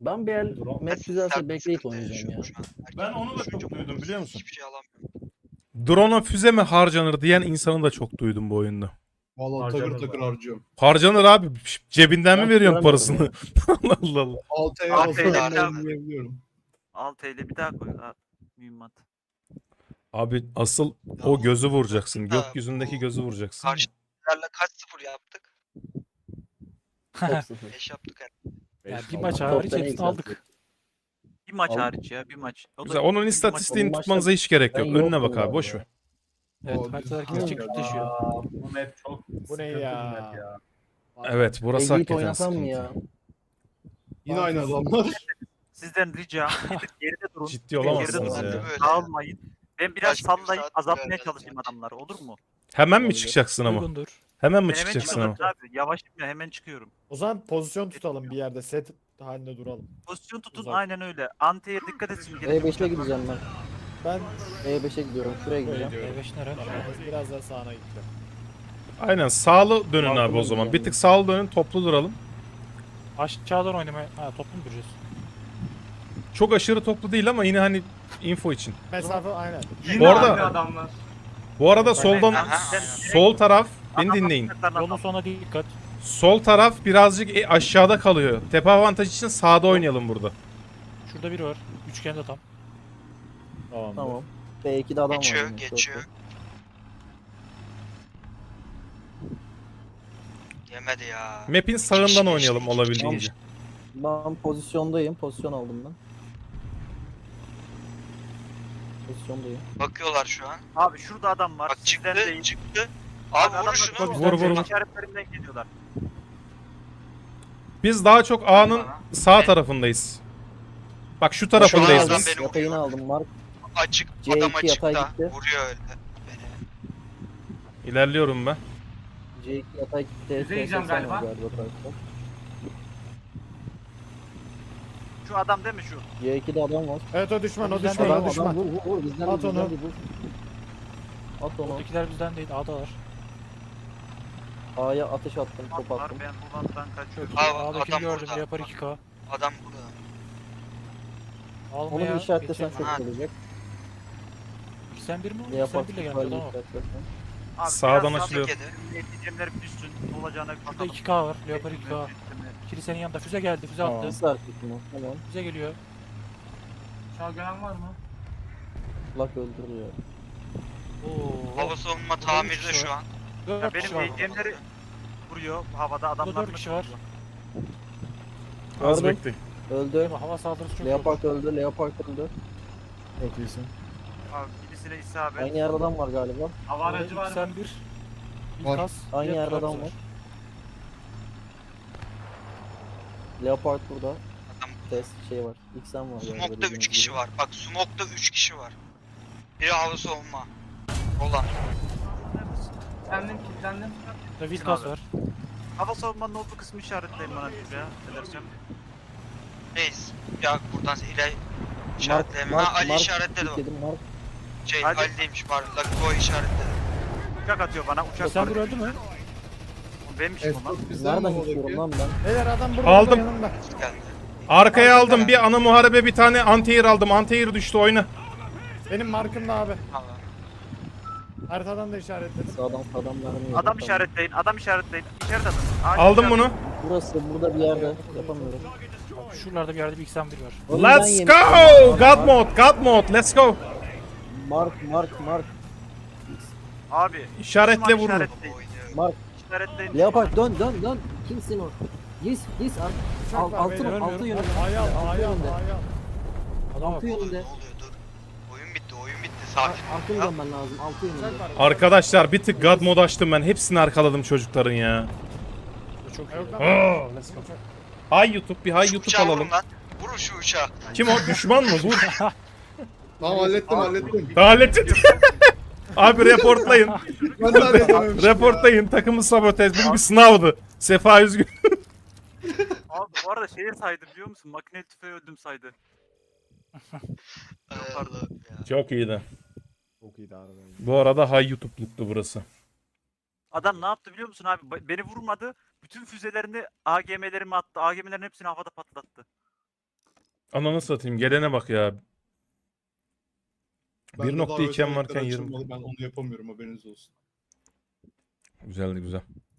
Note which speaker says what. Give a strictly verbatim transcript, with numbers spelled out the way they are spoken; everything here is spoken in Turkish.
Speaker 1: Ben bir el
Speaker 2: Drone-
Speaker 1: map güzelse
Speaker 3: Sert
Speaker 1: bekleyip
Speaker 3: sıkıntı
Speaker 1: oynayacağım ya.
Speaker 3: yaşıyorum şu an.
Speaker 2: Ben onu da
Speaker 3: Herkes
Speaker 2: çok
Speaker 3: düşünce
Speaker 2: duydum,
Speaker 3: motorsuz
Speaker 2: biliyor musun?
Speaker 3: Hiçbir şey alamıyorum.
Speaker 4: Drone'a füze mi harcanır diyen insanı da çok duydum bu oyunda.
Speaker 5: Valla
Speaker 2: Harcanır
Speaker 5: takır takır
Speaker 2: bana.
Speaker 5: harcıyorum.
Speaker 4: Harcanır abi. Cebinden
Speaker 1: Ben
Speaker 4: mi veriyorsun
Speaker 1: tutamıyorum
Speaker 4: parasını? Allah Allah Allah.
Speaker 5: Altıya
Speaker 3: Altı
Speaker 5: basıyorum
Speaker 3: ile
Speaker 5: ben
Speaker 3: abi.
Speaker 5: yiyebiliyorum.
Speaker 6: altı ile bir daha koy. Ha, mühimmat.
Speaker 4: Abi asıl
Speaker 3: Ya
Speaker 4: o gözü vuracaksın.
Speaker 3: da
Speaker 4: Gökyüzündeki
Speaker 3: bu
Speaker 4: gözü vuracaksın.
Speaker 3: Karşılarla kaç sıfır yaptık?
Speaker 1: Çok sıfır.
Speaker 3: beş yaptık herhalde.
Speaker 7: Ya
Speaker 2: Beş
Speaker 7: bir
Speaker 2: aldım.
Speaker 7: maç
Speaker 1: Top
Speaker 7: hariç
Speaker 1: tane
Speaker 7: hepsini aldık.
Speaker 6: Bir maç
Speaker 1: Al.
Speaker 6: hariç ya bir maç. O da
Speaker 4: Güzel. Onun
Speaker 6: bir maç
Speaker 4: istatistiğini
Speaker 1: oldu.
Speaker 4: tutmanıza hiç gerek yok.
Speaker 1: Ben
Speaker 4: Önüne
Speaker 1: yoktum
Speaker 4: bak abi.
Speaker 1: bu
Speaker 4: Boş
Speaker 1: arada.
Speaker 4: ver.
Speaker 7: Evet
Speaker 5: O
Speaker 7: haritalar
Speaker 5: düz-
Speaker 7: kesecek
Speaker 1: Aa.
Speaker 7: düşüyor.
Speaker 2: Aa, bu map çok
Speaker 7: Bu ne
Speaker 2: sıkıntılı
Speaker 7: ya?
Speaker 2: bir map ya.
Speaker 4: Evet burası
Speaker 1: Eggit
Speaker 4: hakikaten
Speaker 1: oynasam mı
Speaker 4: sıkıntı.
Speaker 1: ya?
Speaker 5: Yine aynı adamlar.
Speaker 6: Sizden ricam gidip geride durun.
Speaker 4: Ciddi
Speaker 6: Gidip
Speaker 4: olamazsınız
Speaker 6: geride
Speaker 4: ya.
Speaker 6: durun.
Speaker 3: Böyle.
Speaker 6: Dağılmayın. Ben biraz
Speaker 3: Başka bir
Speaker 6: sallayıp
Speaker 3: saat
Speaker 6: azaltmaya
Speaker 3: vereceğiz
Speaker 6: çalışayım
Speaker 3: yani.
Speaker 6: adamları olur mu?
Speaker 4: Hemen mi
Speaker 1: Olabilir.
Speaker 4: çıkacaksın ama?
Speaker 7: Uygundur.
Speaker 4: Hemen mi
Speaker 6: Ben hemen
Speaker 4: çıkacaksın ama?
Speaker 6: çıkıyorum abi. Yavaşım ya hemen çıkıyorum.
Speaker 8: O zaman pozisyon tutalım bir yerde. Set halinde duralım.
Speaker 6: Pozisyon tutun
Speaker 8: Uzak.
Speaker 6: aynen öyle. Antiye dikkat etsin.
Speaker 1: E beşe gideceğim ben.
Speaker 8: Ben
Speaker 1: E beşe gidiyorum. Şuraya
Speaker 8: böyle
Speaker 1: gideceğim.
Speaker 8: diyorum.
Speaker 7: E beş nere?
Speaker 8: Tamam, biraz daha sağına gideceğim.
Speaker 4: Aynen sağlı dönün
Speaker 1: Sağlı
Speaker 4: abi o zaman.
Speaker 1: döneceğim
Speaker 4: Bir
Speaker 1: ben.
Speaker 4: tık sağlı dönün, toplu duralım.
Speaker 7: Aşağıdan oynamaya. Ha toplu mu duracağız?
Speaker 4: Çok aşırı toplu değil ama yine hani info için.
Speaker 8: Mesafe aynen.
Speaker 4: Bu arada
Speaker 2: adamlar.
Speaker 4: bu arada soldan
Speaker 3: Aha.
Speaker 4: sol taraf beni dinleyin.
Speaker 7: Yolun sonuna dikkat.
Speaker 4: Sol taraf birazcık e, aşağıda kalıyor. Tepe avantajı için sağda oynayalım burada.
Speaker 7: Şurada biri var. Üçgende tam.
Speaker 8: Tamam.
Speaker 1: Tamam. B iki'de adam var.
Speaker 3: Geçiyor,
Speaker 1: yine, çok
Speaker 3: geçiyor.
Speaker 1: iyi.
Speaker 3: Yemedi ya.
Speaker 4: Map'in sağından oynayalım olabildiğince.
Speaker 1: Ben pozisyondayım. Pozisyon aldım ben. Pozisyondayım.
Speaker 3: Bakıyorlar şu an.
Speaker 6: Abi şurada adam var.
Speaker 3: Bak
Speaker 6: Sizden
Speaker 3: çıktı,
Speaker 6: değil.
Speaker 3: çıktı. Abi vurun
Speaker 6: adamlar
Speaker 3: şunu.
Speaker 6: çok
Speaker 4: Vur,
Speaker 6: güzel
Speaker 4: vur, vur.
Speaker 6: işaretlerinden geliyorlar.
Speaker 4: Biz daha çok A'nın sağ tarafındayız. Bak şu tarafındayız
Speaker 3: Şu an
Speaker 4: biz.
Speaker 3: adam beni
Speaker 1: Yatayını
Speaker 3: vuruyor.
Speaker 1: aldım. Mark.
Speaker 3: Açık,
Speaker 1: C iki
Speaker 3: adam açıkta.
Speaker 1: yatay gitti.
Speaker 3: Vuruyor öyle beni.
Speaker 4: İlerliyorum ben.
Speaker 1: C iki yatay gitti.
Speaker 2: Yüzeyeceğim
Speaker 1: T seksen var
Speaker 2: galiba.
Speaker 1: karşıda.
Speaker 6: Şu adam değil mi şu?
Speaker 1: C iki'de adam var.
Speaker 8: Evet o düşman o
Speaker 7: Bizden
Speaker 8: düşman
Speaker 7: değil,
Speaker 8: o
Speaker 1: Adam, adam
Speaker 8: düşman.
Speaker 1: vur vur vur. Bizden
Speaker 8: At
Speaker 1: değil, bizden
Speaker 8: onu.
Speaker 1: değil, vur. At onu.
Speaker 7: Oradakiler bizden değil. A'dalar.
Speaker 1: A'ya atış attım. Top
Speaker 6: Var
Speaker 1: attım.
Speaker 6: ben bu banttan kaçıyorum.
Speaker 3: Abi,
Speaker 7: A'dakini
Speaker 3: adam
Speaker 7: gördüm.
Speaker 3: burada.
Speaker 7: Yapar iki K.
Speaker 3: Adam burada.
Speaker 7: Alma
Speaker 1: Onu
Speaker 7: ya.
Speaker 1: bir işaretlesen
Speaker 7: geçelim.
Speaker 1: çok
Speaker 3: Ha.
Speaker 1: iyi olacak.
Speaker 7: Sen bir mi?
Speaker 1: Ne yapar?
Speaker 7: Sen birle gelmiş
Speaker 1: Süper
Speaker 7: adam
Speaker 1: Lig
Speaker 7: var.
Speaker 1: işaretlesen.
Speaker 6: Abi,
Speaker 4: Sağdan
Speaker 6: biraz
Speaker 4: açılıyor.
Speaker 6: sağ- Ekleyeceğimler bir düşsün. Olacağına bir
Speaker 7: Şurada
Speaker 6: bakalım.
Speaker 7: iki K var. Yapar iki K. Kilisenin yanında füze geldi. Füze
Speaker 8: Tamam.
Speaker 7: attı.
Speaker 1: Nasıl hareket mi? Tamam.
Speaker 7: Füze geliyor.
Speaker 2: Şalgören var mı?
Speaker 1: Lak öldürüyor.
Speaker 7: Oo.
Speaker 3: Hava savunma
Speaker 7: Burada üç
Speaker 3: tamirde
Speaker 7: kişi
Speaker 3: şu
Speaker 7: var.
Speaker 3: an.
Speaker 7: Dört
Speaker 6: Ya
Speaker 7: kişi
Speaker 6: benim
Speaker 7: var.
Speaker 6: ekleyeceğimleri vuruyor havada adamlar.
Speaker 7: dört kişi var.
Speaker 4: Az
Speaker 1: Gördüm.
Speaker 4: bekleyin.
Speaker 1: Öldü.
Speaker 7: Ama hava saldırısı çok zor.
Speaker 1: Leopard öldü. Leopard öldü.
Speaker 8: Çok iyisin.
Speaker 6: Abi birisine isabet.
Speaker 1: Aynı yerde adam var galiba.
Speaker 2: Hava aracı var mı?
Speaker 7: Sen bir. Bir
Speaker 5: Var.
Speaker 7: kas.
Speaker 1: Aynı
Speaker 7: bir
Speaker 1: yerde
Speaker 7: Trabzon.
Speaker 1: adam var. Leopard burada.
Speaker 3: Adam
Speaker 1: Test şey var. X'en var. galiba,
Speaker 3: Smoke'da
Speaker 1: dediğiniz
Speaker 3: üç kişi
Speaker 1: gibi.
Speaker 3: var. Bak Smoke'da üç kişi var. Biri hava savunma. Olan.
Speaker 2: Kilitlendim, kilitlendim.
Speaker 7: Burada bir kas
Speaker 6: abi.
Speaker 7: var.
Speaker 6: Hava savunmanın olduğu kısmı işaretleyin bana bir ya. Edersem.
Speaker 3: Reis. Ya buradan ileri işaretleme.
Speaker 1: Mark,
Speaker 3: Ha Ali
Speaker 1: Mark,
Speaker 3: işaretledi o.
Speaker 1: dedim, Mark.
Speaker 3: Şey
Speaker 6: Ali.
Speaker 3: Ali'deymiş pardon. Lucky Boy işaretledi.
Speaker 6: Uçak atıyor bana. Uçak
Speaker 7: Sen
Speaker 6: var.
Speaker 7: bir öldü mü?
Speaker 6: Benmişim o lan.
Speaker 5: Esnaf bizden mi
Speaker 1: Nereden
Speaker 5: oradaki?
Speaker 1: gidiyorum lan ben?
Speaker 8: Beyler adam burada
Speaker 4: Aldım.
Speaker 8: burada yanımda.
Speaker 3: Geldi.
Speaker 4: Arkaya aldım. Bir ana muharebe, bir tane anti-air aldım. Anti-air düştü, oyna.
Speaker 8: Benim markımda abi.
Speaker 3: Allah.
Speaker 8: Haritadan da işaretledim.
Speaker 1: Sağdan sağdan vermiyor.
Speaker 6: Adam işaretleyin. Adam işaretleyin. İşaret atın. Acil
Speaker 4: Aldım
Speaker 6: işaret-
Speaker 4: bunu.
Speaker 1: Burası burada bir yerde. Yapamıyorum.
Speaker 7: Şuralarda bir yerde bir X'en bir var.
Speaker 1: Onu ben
Speaker 4: Let's
Speaker 1: yemişim.
Speaker 4: go! God mode, God mode. Let's go.
Speaker 1: Mark, Mark, Mark.
Speaker 6: Abi.
Speaker 4: İşaretle
Speaker 6: düşman
Speaker 4: vurun.
Speaker 6: işaretleyin.
Speaker 3: Oynuyor.
Speaker 1: Mark.
Speaker 6: İşaretleyin.
Speaker 1: Leopard dön dön dön. Kimsin o? Yes, yes. Ar
Speaker 8: Uçak
Speaker 1: al,
Speaker 8: var
Speaker 1: altı,
Speaker 8: beyler.
Speaker 1: altı yönünde.
Speaker 8: Ayağım
Speaker 1: Altı
Speaker 8: ayağım
Speaker 1: yönünde.
Speaker 8: ayağım.
Speaker 7: Adam
Speaker 1: Altı
Speaker 7: var.
Speaker 3: Ne oluyor,
Speaker 1: yönünde.
Speaker 3: ne oluyor dur. Oyun bitti oyun bitti
Speaker 1: Ar
Speaker 3: sakin.
Speaker 1: Arkaya
Speaker 3: Ya,
Speaker 1: dönmen lazım. Altı
Speaker 8: Uçak
Speaker 1: yönünde.
Speaker 8: var.
Speaker 4: Arkadaşlar bir tık God mode açtım ben. Hepsini arkaladım çocukların ya.
Speaker 7: Bu çok iyi.
Speaker 8: Yok lan.
Speaker 4: Oh, let's go. Hay YouTube, bir hay
Speaker 3: şu
Speaker 4: YouTube
Speaker 3: uçağı
Speaker 4: alalım.
Speaker 3: vurun lan. Vurun şu uçağı.
Speaker 4: Kim o? Düşman mı? Vur.
Speaker 5: Tamam hallettim hallettim.
Speaker 4: Hallettin. Abi reportlayın.
Speaker 5: Ben de halledememişim ya.
Speaker 4: Reportlayın. Takımı sabotaj. Bu bir sınavdı. Sefa üzgün.
Speaker 6: Abi bu arada şeye saydı biliyor musun? Makineli tüfeği öldüm saydı.
Speaker 3: Ay
Speaker 6: Pardon.
Speaker 3: Allah'ım ya.
Speaker 4: Çok iyiydi.
Speaker 8: Çok iyiydi harbiden.
Speaker 4: Bu arada hay YouTube'luktu burası.
Speaker 6: Adam ne yaptı biliyor musun abi? Ba- Beni vurmadı. Bütün füzelerini A G M'lerime attı. A G M'lerin hepsini havada patlattı.
Speaker 4: Ananı satayım. Gelene bak ya.
Speaker 5: Bende
Speaker 4: bir nokta
Speaker 5: daha
Speaker 4: iki M
Speaker 5: özellikler
Speaker 4: varken yirmi.
Speaker 5: açılmadı, ben onu yapamıyorum, haberiniz olsun.
Speaker 4: Güzeldi güzel.